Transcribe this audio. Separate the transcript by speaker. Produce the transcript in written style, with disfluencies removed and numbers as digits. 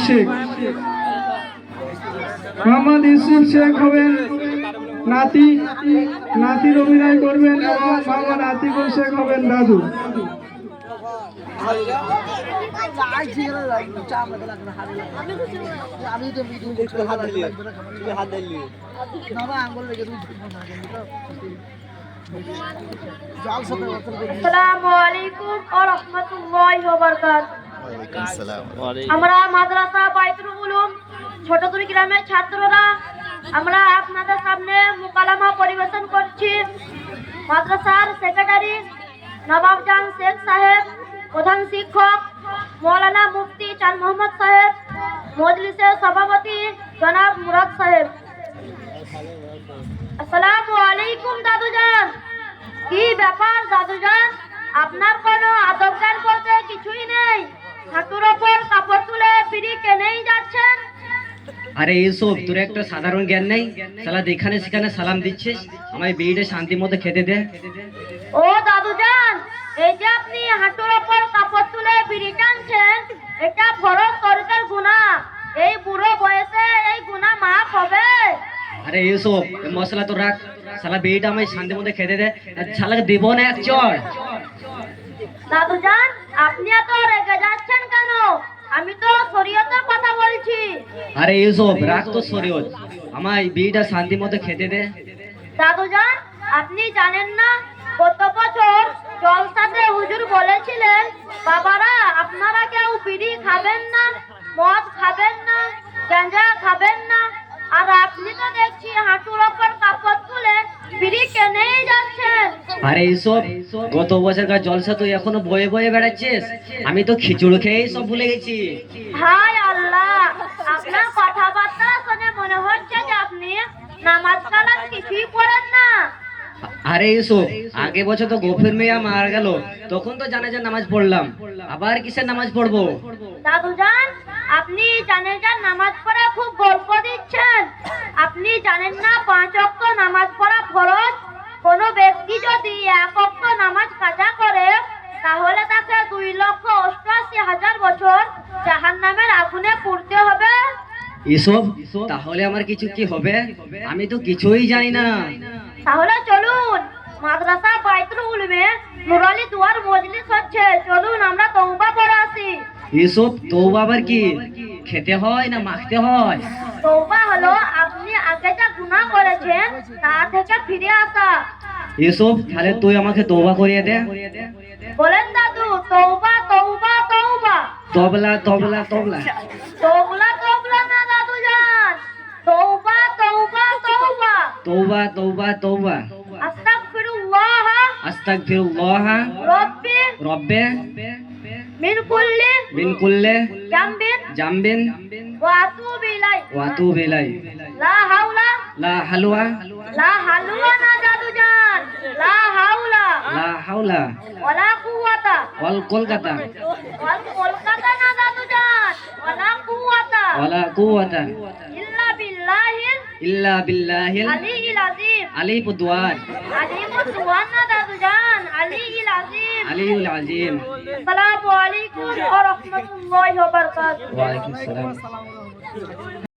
Speaker 1: শেখ। মোহাম্মদ ইউসুফ শেখ হবেন নাতি, নাতির অভিনয় করবেন এবং মোহাম্মদ আতিকুল শেখ হবেন দাদু।
Speaker 2: আসসালামু আলাইকুম ওয়া রাহমাতুল্লাহি ওয়া বারাকাতুহু। আমরা মাদ্রাসা বাইতুল উলুম ছোটদুরি গ্রামের ছাত্ররা আমরা আপনাদের সামনে মুকালামা পরিবেশন করছি। মাদ্রাসার সেক্রেটারি নবাবজান শেখ সাহেব, প্রধান শিক্ষক মৌলানা মুফতি চাঁদ মোহাম্মদ সাহেব, মজলিসের সভাপতি জনাব মুরাদ সাহেব। আসসালামু আলাইকুম দাদুজান। কি ব্যাপার দাদুজান, আপনার কোনো আদব জ্ঞান বলতে কিছুই নেই, হাঁটুর ওপর কাপড় তুলে বিড়ি কেনেই যাচ্ছেন।
Speaker 3: আরে এইসব তোর একটা সাধারণ জ্ঞান নেই, সালা যেখানে সেখানে সালাম দিচ্ছিস। আমায় বিড়িটা শান্তি মতো খেতে দে।
Speaker 2: ও দাদুজান, এই যে আপনি হাঁটুর ওপর কাপড় তুলে বিড়ি টানছেন, এটা ফরজ তরিকার গুনাহ। এই বুড়ো বয়সে এই গুনাহ মাফ হবে?
Speaker 3: আরে এইসব মশলা তো রাখ, সালা বিড়িটা আমায় শান্তি মতো খেতে দে, শালাকে দেব না এক চড়।
Speaker 2: দাদুজান, আপনি এত রেগে যাচ্ছেন কেন? আমি তো শরীয়তের কথা বলছি।
Speaker 3: আরে এইসব রাখ তো শরীয়ত, আমায় বিড়িটা শান্তি মতো খেতে দে।
Speaker 2: দাদুজান, আপনি জানেন না গত বছর জলসাতে হুজুর বলেছিলেন, বাবারা আপনারা কেউ বিড়ি খাবেন না, মদ খাবেন না, গাঁজা খাবেন না, আর আপনি তো দেখছি হাঁটুর ওপর কাপড় তুলে বিড়ি কেনেই যাচ্ছেন।
Speaker 3: আরে এইসব গত বছরকার জলসা তুই এখনো বয়ে বয়ে বেড়াচ্ছিস, আমি তো খিচুড়ি খেয়েই সব ভুলে গেছি।
Speaker 2: হায় আল্লাহ, আপনার কথাবার্তা শুনে মনে হচ্ছে যে আপনি নামাজ কালাম কিছুই পড়েন না।
Speaker 3: আরে এইসব আগে বছর তো গফির মিয়া মারা গেল, তখন তো জানাজার নামাজ পড়লাম, আবার কিসের নামাজ পড়বো?
Speaker 2: দাদুজান, আপনি জানেজার নামাজ পড়া খুব গল্প দিচ্ছেন। আপনি জানেন না 5 ওয়াক্ত নামাজ পড়া ফরজ। কোনো ব্যক্তি যদি 1 ওয়াক্ত নামাজ কাজা করে তাহলে তাকে 2,88,000 বছর জাহান্নামের আগুনে পুড়তে হবে।
Speaker 3: এসব তাহলে আমার কিছু কি হবে? আমি তো কিছুই জানি না।
Speaker 2: তাহলে চলুন, মাদ্রাসা বাইতুল উলুমে নুরালি দুয়ার মজলিস হচ্ছে, চলুন আমরা তওবা পড়ে আসি।
Speaker 3: এসব তওবা আবার কি? খেতে হয় না মাখতে হয়?
Speaker 2: তওবা হলো আপনি আগে যা গুনাহ করেছেন তা থেকে ফিরে আসা।
Speaker 3: এসব তাহলে তুই আমাকে তওবা করিয়ে দে।
Speaker 2: বলেন দাদু, তওবা তওবা তওবা।
Speaker 3: তবলা তবলা তবলা।
Speaker 2: তওবা তওবা না দাদুজান, তওবা তওবা তওবা।
Speaker 3: তওবা তওবা তওবা।
Speaker 2: আস্তাগফিরুল্লাহ
Speaker 3: আস্তাগফিরুল্লাহ
Speaker 2: রব্বি
Speaker 3: রব্বে
Speaker 2: মিন কুল্লি
Speaker 3: জামবিন
Speaker 2: জামবিন ওয়া আতুবু ইলাই। লা হাওলা
Speaker 3: লা হালওয়া
Speaker 2: লা হালুয়া না দাদুজান, লা হাওলা ওয়ালা কুওয়াতা
Speaker 3: ওয়াল কলকাতা
Speaker 2: ওয়াল কলকাতা না দাদুজান, ওয়ালা কুওয়াতা ইল্লা বিল্লাহিল আলিয়্যিল আযীম।
Speaker 3: আলিপুদওয়ার
Speaker 2: আলিপুদওয়ার না দাদুজান, আলিয়্যিল আযীম।
Speaker 3: আলিউল আজিম।
Speaker 2: আসসালামু আলাইকুম ওয়া রাহমাতুল্লাহি ওয়া বারাকাতুহু।
Speaker 3: ওয়া আলাইকুম আসসালাম।